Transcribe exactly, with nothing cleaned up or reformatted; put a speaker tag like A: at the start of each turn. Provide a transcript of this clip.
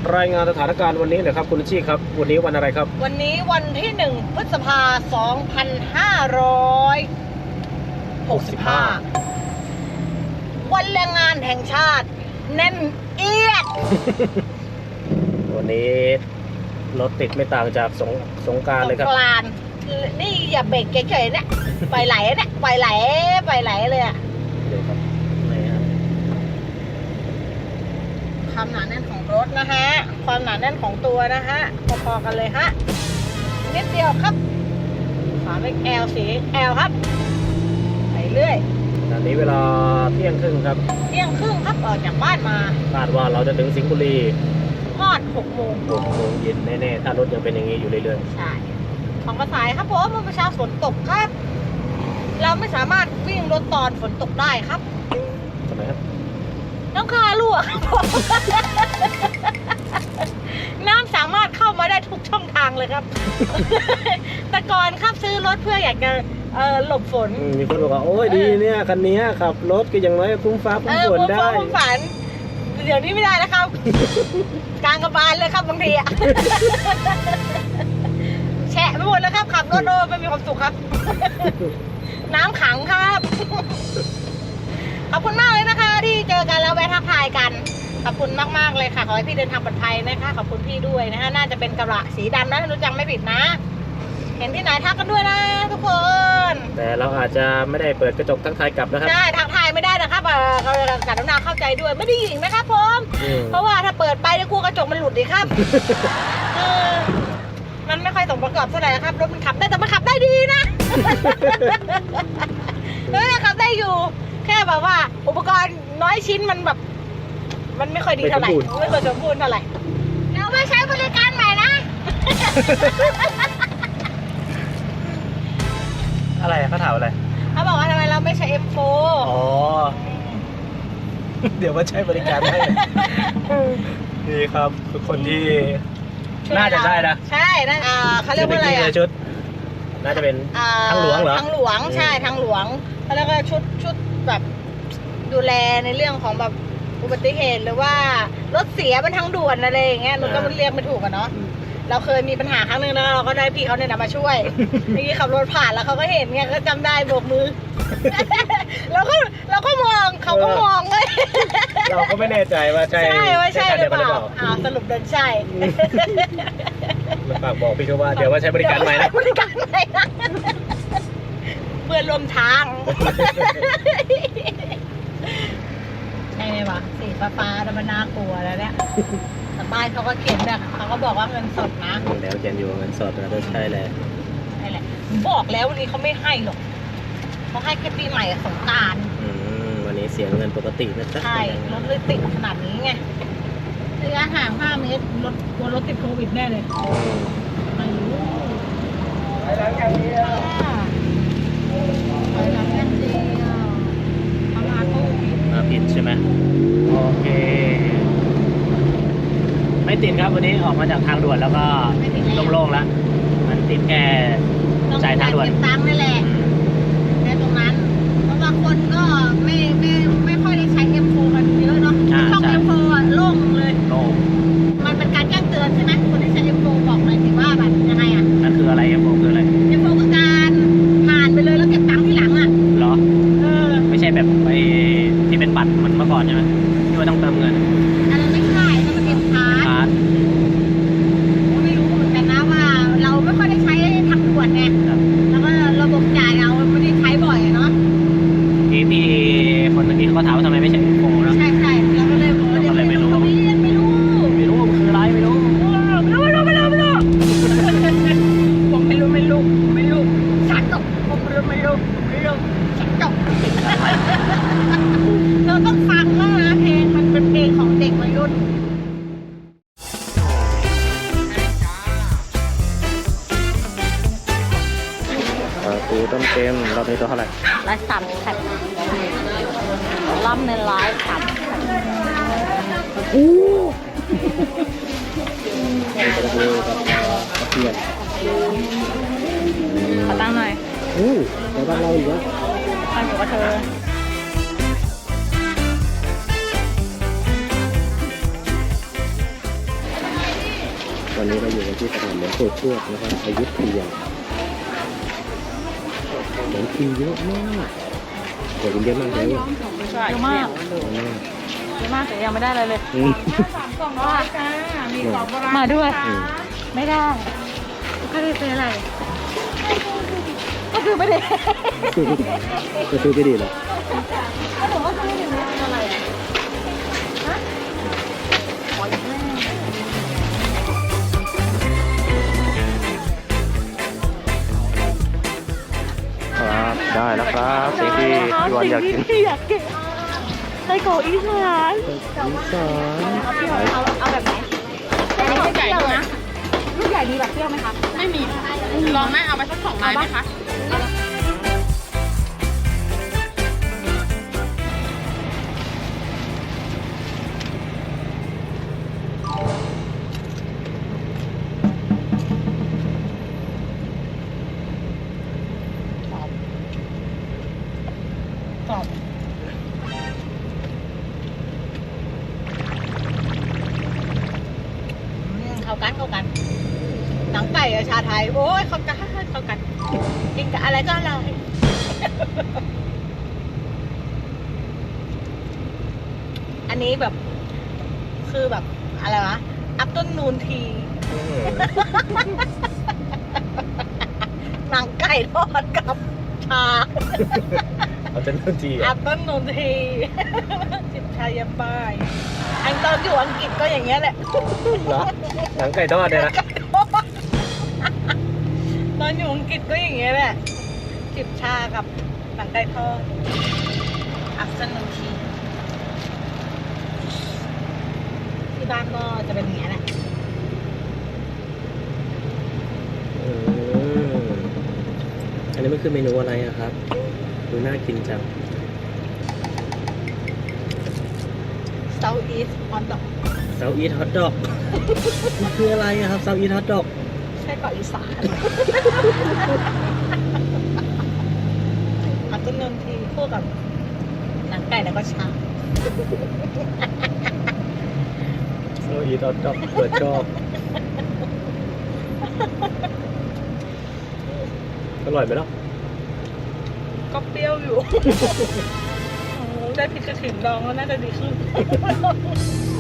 A: รายงานสถานการณ์วันนี้เลยครับคุณชี่ครับวันนี้วันอะไรครับ
B: วันนี้วันที่หนึ่งพฤษภาสองพันห้าร้อยหกสิบห้าวันแรงงานแห่งชาติแน่นเอียด
A: วันนี้รถติดไม่ต่างจากสงสงกรานต์เลยครับ
B: สงกรานต์นี่อย่าเบรกเฉยๆเนี่ยไปไหลเนี่ยไปไหลไปไหลเลยอะ
A: เดี๋ยวครับนี่ครับ
B: ความหนาแน่นของรถนะฮะความหนาแน่นของตัวนะฮะพอๆกันเลยฮะนิดเดียวครับฝาเล็ก L สี L ครับไปเรื่อย
A: ตอนนี้เวลาเที่ยงครึ่งครับ
B: เที่ยงครึ่งครับออกจากบ้านมา
A: คาดว่าเราจะถึงสิงห์บุรี
B: ทอดหกโมง
A: หกโมงเย็นแน่ๆถ้ารถยังเป็นอย่างนี้อยู่เรื่อย
B: ๆใช่ของกระสายครับผมเมื่อเช้าฝนตกครับเราไม่สามารถวิ่งรถตอนฝนตกได้ครับ
A: ทำไมครับ
B: น้ำคารั่วครับผมน้ำสามารถเข้ามาได้ทุกช่องทางเลยครับ แต่ก่อนครับซื้อรถเพื่ออยากจะเอ่อหลบฝน
A: มีคนบอกว่าโอ้ยดีเนี่ยคันนี้ขับรถก็ยังน้อยคุ้มฟ้าคุ้มฝนได้
B: เออคุ้มฟ้าคุ้มฝนเดี๋ยวนี้ไม่ได้แล้วครับกลางกระบาลเลยครับบางทีอะแฉะไปหมดแล้วครับขับรถโอ้ไม่มีความสุขครับ น้ำขังครับขอบคุณมากเลยนะคะที่เจอกันแล้วแวะทักทายกันขอบคุณมากๆเลยค่ะขอให้พี่เดินทางปลอดภัยนะคะขอบคุณพี่ด้วยนะคะน่าจะเป็นกระบะสีดำนะถ้ารู้จักไม่ผิดนะเห็นที่ไหนทักกันด้วยนะทุกคน
A: แต่เราอาจจะไม่ได้เปิดกระจกทักทายกลับนะครับ
B: ใช่ทักทายไม่ได้นะครับเรากรุณาเข้าใจด้วยไม่ได้หญิงนะครับผมเพราะว่าถ้าเปิดไปจะกลัวกระจกมันหลุดดีครับมันไม่ค่อยสมประกอบเท่าไหร่นะครับรถมันขับได้แต่มันขับได้ดีนะเออขับได้อยู่แค่แบบว่าอุปกรณ์น้อยชิ้นมันแบบมันไม่ค่อยดีเท่าไหร่ไม่ค่อยสมบูรณ์เท่าไหร่เราไม่ใช้บริการใหม่นะ
A: อะไรเขาถามอะไร
B: เขาบอกว่าทำไมเราไม่ใช้ เอ็ม โฟร์
A: อ๋อเดี๋ยวว่าใช้บริการให้นี่ครับคือคนที่น่าจะใช่นะ
B: ใช่นั่นอ่าเขาเรียกว่าอะไรอ่ะ
A: ชุดน่าจะเป็นทางหลวงเหรอ
B: ทางหลวงใช่ทางหลวงแล้วก็ชุดชุดแบบดูแลในเรื่องของแบบอุบัติเหตุหรือว่ารถเสียบนทางด่วนอะไรอย่างเงี้ยหนูก็เรียกไม่ถูกอะเนาะเราเคยมีปัญหาครั้งนึงนะเราก็ได้พี่เขาเนี่ยมาช่วยเมื่อกี้ขับรถผ่านแล้วเขาก็เห็นเงี้ยก็จำได้โบกมือเราก็เราก็มองเขาก็มองเลย
A: เราก็ไม่แน่ใจว่าใช่
B: ใช่ว่าใช่หรือเปล่าอ้าวสรุปเดินใช่
A: ฝากบอกพี่เขาว่าเดี๋ยวว่าใช้บริการใหม่นะ
B: บริการใหม่นะเพื่อนร่วมทางใช่ไหมวะสีฟ้าๆแล้วมันน่ากลัวแล้วเนี่ยแต่ป้ายเขาก็เขียนแบบเขาก็บอกว่าเงินสดนะ
A: แล้วเขียนอยู่เงินสดนะใช่เลย
B: ใช่แหละบอกแล้ววันนี้เขาไม่ให้หรอกเขาให้แค่ปีใหม่กับสงกรานต์
A: วันนี้เสียเงินปกตินะจ๊ะ
B: ใช่รถเลยติดขนาดนี้ไงระยะห่างห้าเมตรรถกลัวรถติดโควิดแน่เลยไม่รู้ไปแล้วอย่างเดียวไปแล้วอย่างเดียวเขามาโควิด
A: มาผิดใช่ไหมโอเคไม่ติดครับวันนี้ออกมาจากทางด่วนแล้วก็โล่งๆแล้วมันติดแค่จ่ายทางด่วน
B: ตังค์นั่นแหละแค่ตรงนั้นเพราะว่าคนก็ไม่ไม่ไม่ค่อยได้ใช้ เอ็ม โฟร์ กันเยอะเนาะช่อง เอ็ม โฟร์ โล่งเลย
A: โล่ง
B: มันเป็นการแจ้งเตือนใช่ไหมคนที่ใช้ เอ็ม โฟร์ บอกหน่อยสิว่าแบบยังไงอ่ะ
A: นั่นคืออะไร เอ็ม โฟร์ คืออะไร
B: เอ็ม โฟร์ คือการผ่านไปเลยแล้วเก็บตังค์ที่หลังอ่ะ
A: เหรอเออไม่ใช่แบบไปที่เป็นบัตรเหมือนเมื่อก่อนใช่ไหมที่ว่าต้องเติมเงิน
B: อันนั้นไม่ใช่นั่นมันเป็นพาร์ทไม่รู้เหมือนกันนะว่าเราไม่ค่อยได้ใช้ทางด่วนไงแล้วก็ระบบจ่ายเราไม่ได้ใช้บ่อยเนาะ
A: พี่พี่คนเมื่อกี้เขาถามว่าทำไมไม่ใช่ เอ็ม โฟร์ นะ
B: ใช่ใช่เราก็เลยบอกว่าไม่รู้ไม่รู้ไม่รู้
A: ไม่รู้มันคืออะไรไม่รู้
B: ไม่รู้ไม่รู้ไม่รู้ไม่รู้ผมไม่รู้ไม่รู้ไม่รู้ฉันตกผมไม่รู้ไม่รู้ไม่รู้ฉันตกเราต้องฟังแล้วนะเพลงมันเป็นเพลงของเด็กวัยรุ่น
A: ปูต้มเค็มรอบนี้ตัวเท่าไหร่
B: ร้อยสามสิบรอบหนึ่งร้อยสามสิบ
A: อู้เป็นกระดูกกับกระเทียม
B: ขอตั้งหน่อย
A: อู้เดี๋ยวบ้านเราอีกแล้ว
B: ไปหัวกระเทย
C: วันนี้เราอยู่กันที่สนามหลวงปู่ทวดนะครับอยุธยาเหมือนคิวเยอะมากโอ้ยเยอะมากเลย
B: เยอะมาก
C: เยอะมาก
B: เยอะมากแต่ยังไม่ได้อะไรเลย
C: อืม
B: สามกล่องร้อยจ้ามีของโบราณมาด้วย
C: อืม
B: ไม่ได้ก็ได้ซื้ออะไร ก็คือไม่ได้
C: จะซื้อไม่ดีเหรอ
B: ก็บอกว่าซื้ออย่างนี้อะไรอ่ะฮะขออีกแม่
C: ครับได้แล้วครับสิ่งที่พี่วันอยากกิน
B: ที่อยากกินไส้กรอกอีสาน
C: อีสาน
B: เอาเอาแบบไหนไส้กรอกใหญ่นะลูกใหญ่มีแบบเปรี้ยวไหมคะไม่มีลองไหมเอาไปสักสองไม้ไหมคะกรอบเข้ากันเข้ากัน หนังไก่กับชาไทย โอ้ยเข้ากันเข้ากันกินกับอะไรก็อร่อยอันนี้แบบ คือแบบ อะไรวะ อัพต้นนูนที หนังไก่ทอดกับชา
C: เอาเป็นทันที
B: อัพต้นนูนทีจิบชายามบ่ายอันตอนอยู่อังกฤษก็อย่างเงี้ยแหละ
C: เหรอหนังไก่ทอดเนี่ยนะ
B: ตอนอยู่อังกฤษก็อย่างเงี้ยแหละจิบชากับหนังไก่ทอดอัพต้นนูนทีที่บ้านก็จะเป็นอย่างเงี้ยแหละ
C: อืมอันนี้มันคือเมนูอะไรอะครับดูน่ากินจัง
B: South East Hot Dog
C: เซาอีทฮอทดอกมันคืออะไรอะครับเซาอีทฮอทดอก
B: ใช่เกาะอีสานอัพต้นนูนทีคู่กับหนังไก่แล้วก็ชา
C: เซาอีทฮอทดอกเปิดชอบอร่อยไหมล่ะ
B: ก็เปรี้ยวอยู่ โอ้โหได้พริกกระถิ่นดองแล้วน่าจะดีขึ้น